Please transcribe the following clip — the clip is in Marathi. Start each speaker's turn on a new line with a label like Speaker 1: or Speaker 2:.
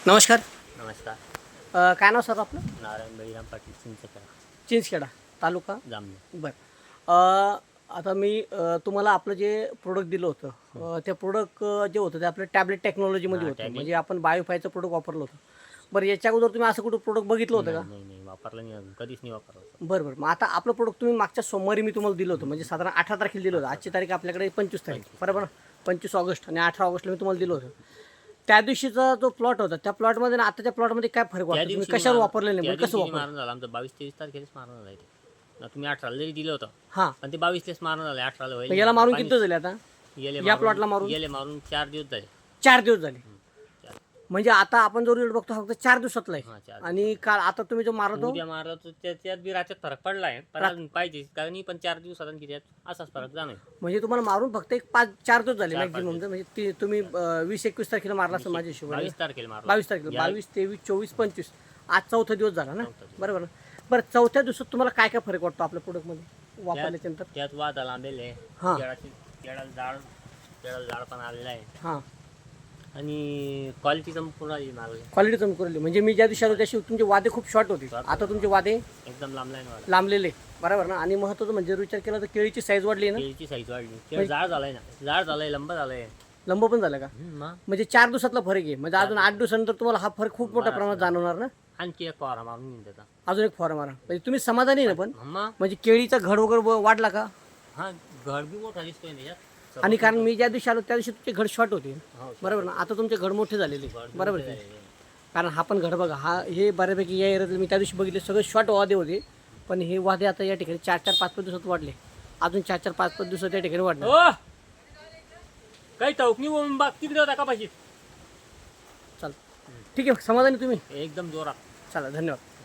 Speaker 1: नमस्कार.
Speaker 2: नमस्कार.
Speaker 1: काय नाव सर आपलं?
Speaker 2: नारायण बळीराम पाटील चिंचखेडा
Speaker 1: चिंचखेडा तालुका.
Speaker 2: जामनेर.
Speaker 1: बरं. आता मी तुम्हाला आपलं जे प्रोडक्ट दिलं होतं ते प्रोडक्ट जे होतं ते आपलं टॅबलेट टेक्नॉलॉजीमध्ये होतं,
Speaker 2: tablet.
Speaker 1: म्हणजे आपण बायोफायचं प्रोडक्ट वापरलं होतं. बरं, याच्या अगोदर तुम्ही असं कुठं प्रोडक्ट बघितलं होतं का?
Speaker 2: नाही वापरलं नाही अजून, कधीच नाही वापरलं.
Speaker 1: बरं. मग आता आपलं प्रोडक्ट तुम्ही मागच्या सोमवारी मी तुम्हाला दिलं होतं, म्हणजे साधारण 18 तारखेला दिलं होतं. आजची तारीख आपल्याकडे 25 तारीख, बरोबर ना? 25 ऑगस्ट आणि 18 ऑगस्टला मी तुम्हाला दिलं होतं. त्या दिवशीचा जो प्लॉट होता त्या प्लॉटमध्ये आणि आताच्या प्लॉटमध्ये काय फरक वाटतो? तुम्ही कशावर वापरले नाही, म्हणजे कसं वापरलं?
Speaker 2: मारून झालं आमचं 22-23 तारखेलाच मारून झालं आहे. तुम्ही 18ला जरी दिलं होतं
Speaker 1: हां,
Speaker 2: पण ते 22लाच मारून झालं. 18ला
Speaker 1: मग
Speaker 2: होईल.
Speaker 1: याला मारून किती दिवस झाले आता?
Speaker 2: गेले
Speaker 1: या प्लॉटला मारून
Speaker 2: गेले मारून 4 दिवस झाले.
Speaker 1: 4 दिवस झाले.
Speaker 2: चार.
Speaker 1: म्हणजे आता आपण जो रिझल्ट बघतो फक्त 4 दिवसातला आहे.
Speaker 2: हां, 4
Speaker 1: आणि काल आता तुम्ही जो मारतो
Speaker 2: उद्या मारला तर त्याच्यात बी राज्यात फरक पडला आहे, पण अजून पाहिजे कारण पण 4 दिवसात आणि किती असाच फरक जाणार.
Speaker 1: म्हणजे तुम्हाला मारून फक्त एक 4 दिवस झाले
Speaker 2: 4-5
Speaker 1: मॅक्झिमम. म्हणजे तुम्ही 20-21 तारखेला मारला असं माझ्या हिशोबाने.
Speaker 2: 22 तारखेला मारला.
Speaker 1: 22 तारखेला 22, 23, 24, 25 आज चौथा दिवस झाला ना,
Speaker 2: चौथा दिवस.
Speaker 1: बरोबर ना? बरं, चौथ्या दिवसात तुम्हाला काय काय फरक वाटतो आपल्या प्रोडक्टमध्ये वापरल्याच्यानंतर?
Speaker 2: त्यात वादा लांबेले
Speaker 1: हां.
Speaker 2: केळाला झाड पण आलेलं आहे
Speaker 1: हां,
Speaker 2: आणि क्वालिटी पूर्ण आली मागली.
Speaker 1: क्वालिटी कमी करली. म्हणजे मी ज्या दिवशी आलो त्या दिवशी तुमचे वादे खूप शॉर्ट होते, आता तुमचे वादे
Speaker 2: एकदम लांब लाईन वाढला.
Speaker 1: लांबलेले, बरोबर ना? आणि महत्त्वाचं म्हणजे विचार केला तर केळीची साईज वाढली ना,
Speaker 2: केळीची साईज वाढली. केळ जाड झालाय ना, जाड झालाय, लंब झालाय.
Speaker 1: लंब पण झालं का?
Speaker 2: मग
Speaker 1: म्हणजे 4 दिवसातला फरक आहे. म्हणजे अजून 8 दिवसानंतर तुम्हाला हा फरक खूप मोठ्या प्रमाणात जाणवणार ना.
Speaker 2: आणखी एक फवारा मारून घेऊन त्याचा.
Speaker 1: अजून एक फॉर्म मारा. म्हणजे तुम्ही समाधानी आहे ना? पण
Speaker 2: मग
Speaker 1: म्हणजे केळीचा घड वगैरे वाढला का?
Speaker 2: हा, घड बी मोठा दिसतोय ना यात.
Speaker 1: आणि कारण मी ज्या दिवशी आलो त्या दिवशी तुमचे घड शॉर्ट होते,
Speaker 2: हो,
Speaker 1: बरोबर ना? आता तुमचे घड मोठे झालेले,
Speaker 2: घड
Speaker 1: बरोबर
Speaker 2: मोठे
Speaker 1: आहे.
Speaker 2: झालेले.
Speaker 1: कारण हा पण घड बघा, हा हे बऱ्यापैकी या एरियातले मी त्या दिवशी बघितले सगळे शॉर्ट वादे होते, पण हे वादे आता या ठिकाणी 4-4, 5-5 दिवसात वाढले. अजून 4-4, 5-5 दिवसात या ठिकाणी वाढले.
Speaker 2: ओ, काही टवकनी बाग तिकडे होता का पाहिजे.
Speaker 1: चला, ठीक आहे, समाधानी तुम्ही?
Speaker 2: एकदम जोरात.
Speaker 1: चला, धन्यवाद.